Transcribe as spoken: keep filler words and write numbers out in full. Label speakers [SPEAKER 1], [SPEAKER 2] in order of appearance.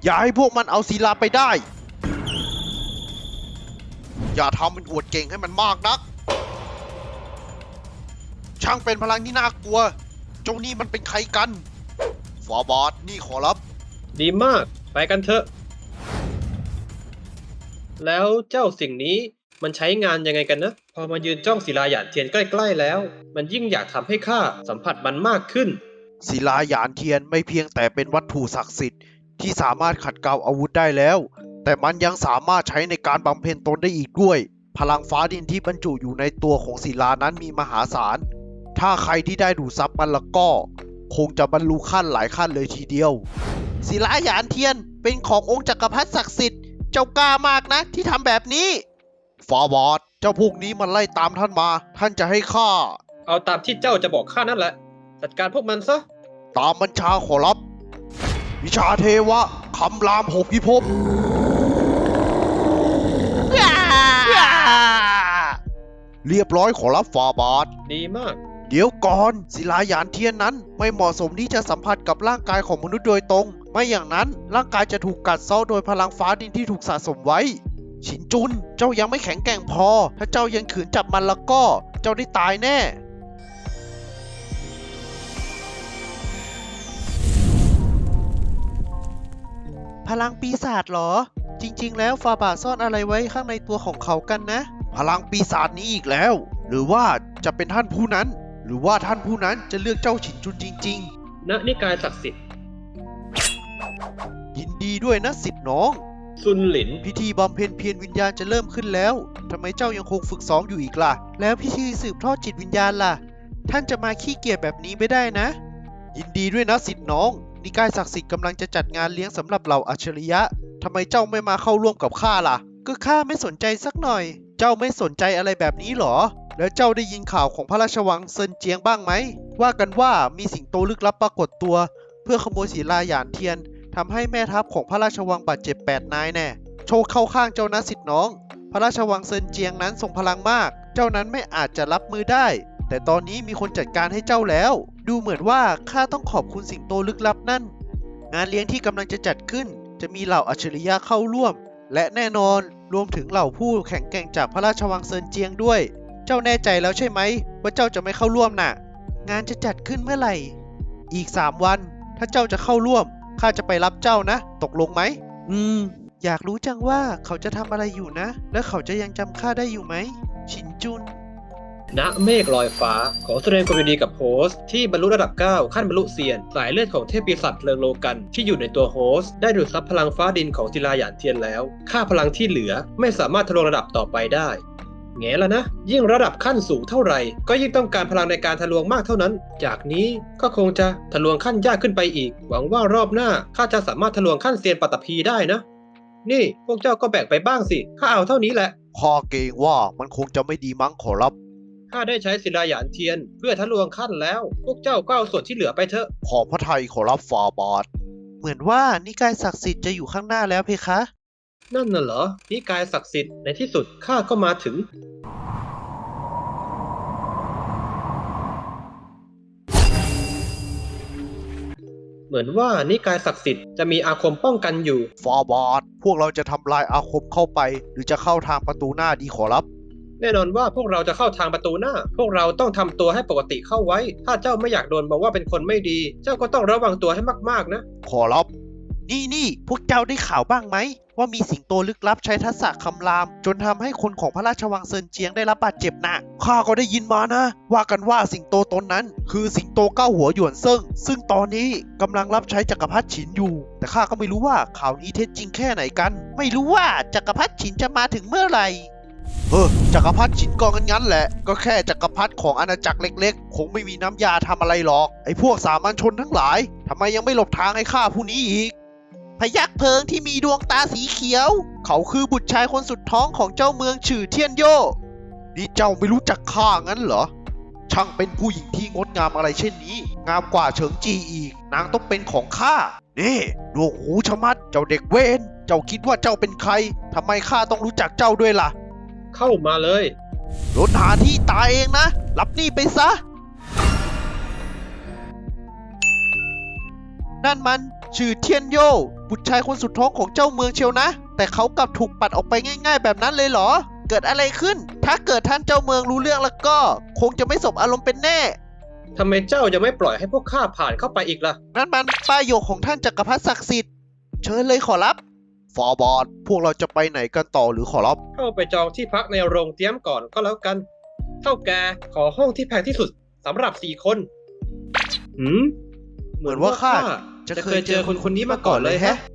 [SPEAKER 1] อย่าให้พวกมันเอาศิลาไปได้อย่าทำเป็นอวดเก่งให้มันมากนักช่างเป็นพลังที่น่ากลัวเจ้านี่มันเป็นใครกันฟาบาทนี่ขอรับ
[SPEAKER 2] ดีมากไปกันเถอะแล้วเจ้าสิ่งนี้มันใช้งานยังไงกันนะพอมายืนจ้องศิลาหยานเทียนใกล้ๆแล้วมันยิ่งอยากทำให้ข้าสัมผัสมันมากขึ้น
[SPEAKER 1] ศิลาหยานเทียนไม่เพียงแต่เป็นวัตถุศักดิ์สิทธิ์ที่สามารถขัดเกลาอาวุธได้แล้วแต่มันยังสามารถใช้ในการบำเพ็ญตนได้อีกด้วยพลังฟ้าดินที่บรรจุอยู่ในตัวของศิลานั้นมีมหาศาลถ้าใครที่ได้ดูดซับมันละก็คงจะบรรลุขั้นหลายขั้นเลยทีเดียวศิลาหยานเทียนเป็นขององค์จักรพรรดิศักดิ์สิทธิ์เจ้ากล้ามากนะที่ทำแบบนี้ฟาบาทเจ้าพวกนี้มันไล่ตามท่านมาท่านจะให้ข้า
[SPEAKER 2] เอาตามที่เจ้าจะบอกข้านั่นแหละจัดการพวกมันซะ
[SPEAKER 1] ตามบัญชาขอรับวิชาเทวะคำรามหกพิภพเรียบร้อยขอรับฟาบาท
[SPEAKER 2] ดีมาก
[SPEAKER 1] เดี๋ยวก่อนศิลาหยานเทียนนั้นไม่เหมาะสมที่จะสัมผัสกับร่างกายของมนุษย์โดยตรงไม่อย่างนั้นร่างกายจะถูกกัดเซาะโดยพลังฟ้าดินที่ถูกสะสมไว้ฉินจุนเจ้ายังไม่แข็งแกร่งพอถ้าเจ้ายังขืนจับมันแล้วก็เจ้าได้ตายแน่พลังปีศาจเหรอจริงๆแล้วฟาบาซ่อนอะไรไว้ข้างในตัวของเขากันนะพลังปีศาจนี้อีกแล้วหรือว่าจะเป็นท่านผู้นั้นหรือว่าท่านผู้นั้นจะเลือกเจ้าฉินจุนจริง
[SPEAKER 2] ๆณนิกายศักดิ์สิทธิ์
[SPEAKER 1] ยินดีด้วยนะสิทธิ์น้อง
[SPEAKER 2] ซุนหลิน
[SPEAKER 1] พิธีบำเพ็ญเพียรวิญญาณจะเริ่มขึ้นแล้วทำไมเจ้ายังคงฝึกซ้อมอยู่อีกล่ะแล้วพิธีสืบทอดจิตวิญญาณล่ะท่านจะมาขี้เกียจแบบนี้ไม่ได้นะยินดีด้วยนะสิทธิ์น้องนิกายศักดิ์สิทธิ์กำลังจะจัดงานเลี้ยงสำหรับเหล่าอัจฉริยะทำไมเจ้าไม่มาเข้าร่วมกับข้าล่ะก็ข้าไม่สนใจสักหน่อยเจ้าไม่สนใจอะไรแบบนี้หรอแล้วเจ้าได้ยินข่าวของพระราชวังเซินเจียงบ้างไหมว่ากันว่ามีสิงโตลึกลับปรากฏตัวเพื่อขโมยศิลาหยานเทียนทำให้แม่ทัพของพระราชวังบาดเจ็บแปดนายแน่โชคเข้าข้างเจ้านะสิทธิ์น้องพระราชวังเซินเจียงนั้นทรงพลังมากเจ้านั้นไม่อาจจะรับมือได้แต่ตอนนี้มีคนจัดการให้เจ้าแล้วดูเหมือนว่าข้าต้องขอบคุณสิงโตลึกลับนั่นงานเลี้ยงที่กำลังจะจัดขึ้นจะมีเหล่าอัจฉริยะเข้าร่วมและแน่นอนรวมถึงเหล่าผู้แข็งแกร่งจากพระราชวังเซินเจียงด้วยเจ้าแน่ใจแล้วใช่ไหมว่าเจ้าจะไม่เข้าร่วมน่ะงานจะจัดขึ้นเมื่อไหร่อีกสามวันถ้าเจ้าจะเข้าร่วมข้าจะไปรับเจ้านะตกลงไหมอืมอยากรู้จังว่าเขาจะทำอะไรอยู่นะและเขาจะยังจำข้าได้อยู่ไหมชินจุน
[SPEAKER 2] ณเมฆลอยฟ้าขอแสดงความยินดีกับโฮสต์ที่บรรลุระดับเก้าขั้นบรรลุเซียนสายเลือดของเทพปีศาจเพลิงโลกันที่อยู่ในตัวโฮสต์ได้ดูดซับพลังฟ้าดินของศิลาหยานเทียนแล้วค่าพลังที่เหลือไม่สามารถทะลวงระดับต่อไปได้แง่แล้วนะยิ่งระดับขั้นสูงเท่าไหร่ก็ยิ่งต้องการพลังในการทะลวงมากเท่านั้นจากนี้ก็คงจะทะลวงขั้นยากขึ้นไปอีกหวังว่ารอบหน้าข้าจะสามารถทะลวงขั้นเซียนปัตตภีได้นะนี่พวกเจ้าก็แบ่งไปบ้างสิข้าเอาเท่านี้แหละ
[SPEAKER 1] ข้าเกรงว่ามันคงจะไม่ดีมั้งขอรับ
[SPEAKER 2] ข้าได้ใช้ศิลาหยานเทียนเพื่อทะลวงขั้นแล้วพวกเจ้าก็เอาส่วนที่เหลือไปเถอะ
[SPEAKER 1] ขอพระทัยขอรับฟาบาทเหมือนว่านิกายศักดิ์สิทธิ์จะอยู่ข้างหน้าแล้วเพคะ
[SPEAKER 2] นั่นน่ะเหรอนิกายศักดิ์สิทธิ์ในที่สุดข้าก็มาถึงเหมือนว่านิกายศักดิ์สิทธิ์จะมีอาคมป้องกันอยู่
[SPEAKER 1] ฟาบาทพวกเราจะทำลายอาคมเข้าไปหรือจะเข้าทางประตูหน้าดีขอรับ
[SPEAKER 2] แน่นอนว่าพวกเราจะเข้าทางประตูหน้าพวกเราต้องทำตัวให้ปกติเข้าไว้ถ้าเจ้าไม่อยากโดนบอกว่าเป็นคนไม่ดีเจ้าก็ต้องระวังตัวให้มากๆนะ
[SPEAKER 1] ขอรับนี่นี่พวกเจ้าได้ข่าวบ้างไหมว่ามีสิงโตลึกลับใช้ทักษะคำรามจนทำให้คนของพระราชวังเซินเจียงได้รับบาดเจ็บหนักข้าก็ได้ยินมานะว่ากันว่าสิงโตตนนั้นคือสิงโตเก้าหัวหยวนเซิ่งซึ่งตอนนี้กำลังรับใช้จักรพรรดิฉินอยู่แต่ข้าก็ไม่รู้ว่าข่าวนี้เท็จจริงแค่ไหนกันไม่รู้ว่าจักรพรรดิฉินจะมาถึงเมื่อไหร่เออจักรพรรดิฉินก็งั้นๆแหละก็แค่จักรพรรดิของอาณาจักรเล็กๆคงไม่มีน้ำยาทำอะไรหรอกไอ้พวกสามัญชนทั้งหลายทำไมยังไม่หลบทางให้ข้าผู้นี้อีกพยัคฆ์เพลิงที่มีดวงตาสีเขียวเขาคือบุตรชายคนสุดท้องของเจ้าเมืองฉื่อเทียนโย่นี่เจ้าไม่รู้จักข้างั้นเหรอช่างเป็นผู้หญิงที่งดงามอะไรเช่นนี้งามกว่าเฉิงจีอีกนางต้องเป็นของข้านี่ดวงหูชะมัดเจ้าเด็กเวนเจ้าคิดว่าเจ้าเป็นใครทำไมข้าต้องรู้จักเจ้าด้วยล่ะ
[SPEAKER 2] เข้ามาเลย
[SPEAKER 1] โดนหาที่ตายเองนะรับนี่ไปซะนั่นมันชื่อเทียนโยบุตรชายคนสุดท้องของเจ้าเมืองเชียวนะ แต่เขากลับถูกปัดออกไปง่ายๆแบบนั้นเลยเหรอ เกิดอะไรขึ้น ถ้าเกิดท่านเจ้าเมืองรู้เรื่องแล้วก็ คงจะไม่สบอารมณ์เป็นแน่
[SPEAKER 2] ทำไมเจ้ายังไม่ปล่อยให้พวกข้าผ่านเข้าไปอีกล่ะ
[SPEAKER 1] นั่นมันป้ายโยกของท่านจักรพรรดิศักดิ์สิทธิ์เชิญเลยขอรับ ฟอร์บอดพวกเราจะไปไหนกันต่อหรือขอรับ
[SPEAKER 2] เข้าไปจองที่พักในโรงเตรียมก่อนก็แล้วกัน เท่าแกขอห้องที่แพงที่สุดสำหรับสี่คนหืม
[SPEAKER 1] เหมือนว่าข้า
[SPEAKER 2] จะเคยเจอคนคนนี้มาก่อนเลยแฮะ